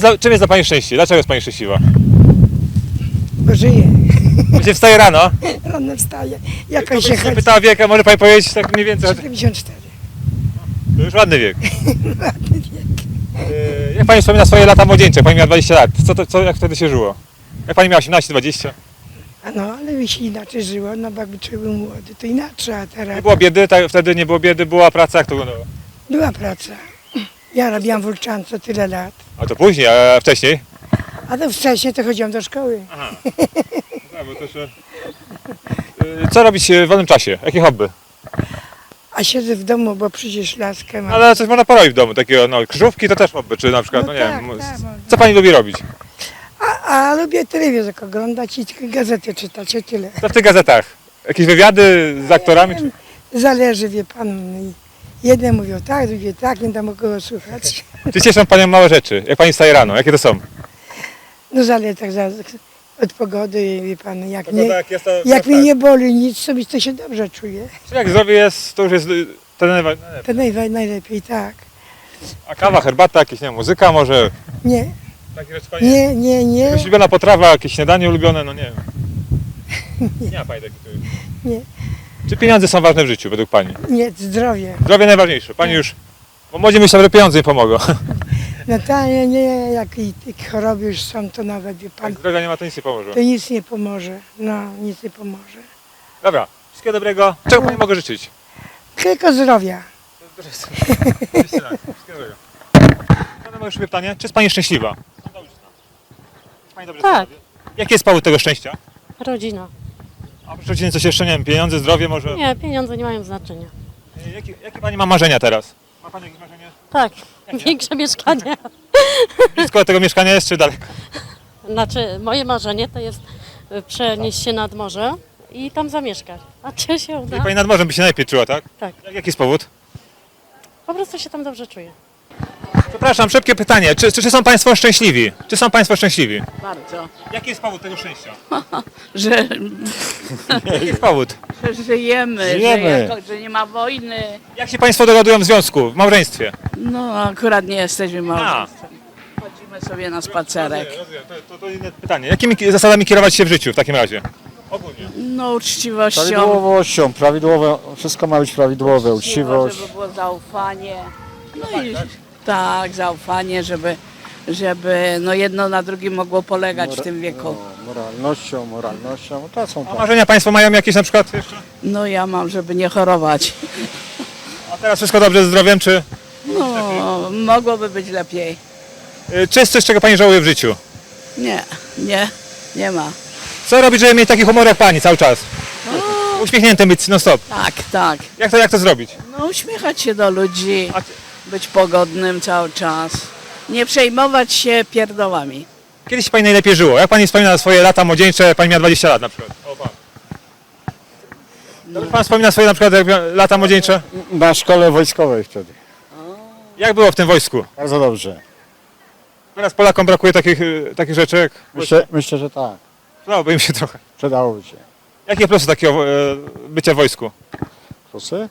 czym jest dla pani szczęście? Dlaczego jest pani szczęśliwa? Bo żyję. Się wstaje rano. Rano wstaje. Jakoś się Nie chodzi. pytała wieka, może pani powiedzieć tak mniej więcej? 74. To już ładny wiek. Ładny wiek. Jak pani wspomina swoje lata młodzieńcze? Pani miała 20 lat. Jak wtedy się żyło? Jak pani miała 18, 20? A no, ale by się inaczej żyło, no bo jakby człowiek był młody, to inaczej, a teraz Nie było biedy, wtedy nie było biedy, była praca, jak to wyglądało? była praca. Ja robiłam w Ulczance tyle lat. A to później, a wcześniej? A to wcześniej to chodziłam do szkoły. Aha. Co robić w wolnym czasie? Jakie hobby? A siedzę w domu, bo przecież laskę mam. Ale coś można porobić w domu, takiego, no krzyżówki to też hobby, czy na przykład, No nie tak, wiem, tak, można. co pani lubi robić? A lubię telewizor oglądać i tylko gazety czytać, o tyle. Co w tych gazetach? Jakieś wywiady z aktorami? Czy... Zależy, wie pan. Jeden mówią tak, drugie tak, nie dam kogo słuchać. Czy cieszą panią małe rzeczy? Jak pani wstaje rano? Jakie to są? No zależy tak od pogody, wie pan, jak, nie, jest to, jak mnie nie boli nic, sobie to się dobrze czuję. Czy jak zdrowie jest, to już jest ten To najlepiej tak. A kawa, herbata, jakieś, nie wiem, muzyka może? Nie, Takie rzeczy pani... nie. Jakaś ulubiona potrawa, jakieś śniadanie ulubione, no nie wiem. Nie ma pani takich. Nie. Czy pieniądze są ważne w życiu według pani? Nie, zdrowie. Zdrowie najważniejsze. Pani już... Bo młodzi myślą, że pieniądze im pomogą. No to nie, jak i choroby już są, to nawet, wie Jak pan, zdrowia nie ma, to nic nie pomoże. to nic nie pomoże. No, nic nie pomoże. Dobra, wszystkiego dobrego. Czego pani mogę życzyć? Tylko zdrowia. Wszystkiego dobrego. Mam jeszcze pytanie. Czy jest pani szczęśliwa? Jest pani dobrze Tak. sobie? Jaki jest powód tego szczęścia? Rodzina. A oprócz rodziny coś jeszcze, nie wiem, pieniądze, zdrowie może? Nie, pieniądze nie mają znaczenia. Jakie pani ma marzenia teraz? Ma pani jakieś marzenie? Tak, większe mieszkanie. Blisko tego mieszkania jest czy daleko? Znaczy, moje marzenie to jest przenieść się nad morze i tam zamieszkać. A czy się uda? Czyli pani nad morzem by się najlepiej czuła, tak? Tak, Jaki jest powód? po prostu się tam dobrze czuję. Przepraszam, szybkie pytanie. Czy są państwo szczęśliwi? Czy są państwo szczęśliwi? Bardzo, Jaki jest powód tego szczęścia? że, Jaki jest powód? że żyjemy, Żyjemy. że nie ma wojny. Jak się państwo dogadują w związku, w małżeństwie? No akurat nie jesteśmy małżeństwem. Chodzimy sobie na spacerek. Rozumiem. To inne pytanie. Jakimi zasadami kierować się w życiu w takim razie? Ogólnie. No uczciwością. Prawidłowością, wszystko ma być prawidłowe, uczciwość. Żeby było zaufanie. No i tak, zaufanie, żeby no jedno na drugim mogło polegać w tym wieku. Moralnością, to są A tak. marzenia państwo mają jakieś na przykład jeszcze? No ja mam, żeby nie chorować. A teraz wszystko dobrze ze zdrowiem, czy... No, mogłoby być lepiej. Czy jest coś, czego pani żałuje w życiu? Nie ma. Co robić, żeby mieć taki humor jak pani cały czas? Uśmiechnięty być non stop. Tak. Jak to zrobić? No uśmiechać się do ludzi, A być pogodnym cały czas. Nie przejmować się pierdołami. kiedyś pani najlepiej żyło? Jak pani wspomina swoje lata młodzieńcze, jak pani miała 20 lat na przykład? O, pan. Dobrze pan wspomina swoje na przykład lata młodzieńcze? Na szkole wojskowej wtedy. Jak było w tym wojsku? Bardzo dobrze. Teraz Polakom brakuje takich rzeczy jak... Myślę, że tak. Przydałoby im się trochę. Przydałoby się. Jakie plusy takiego bycia w wojsku? Plusy?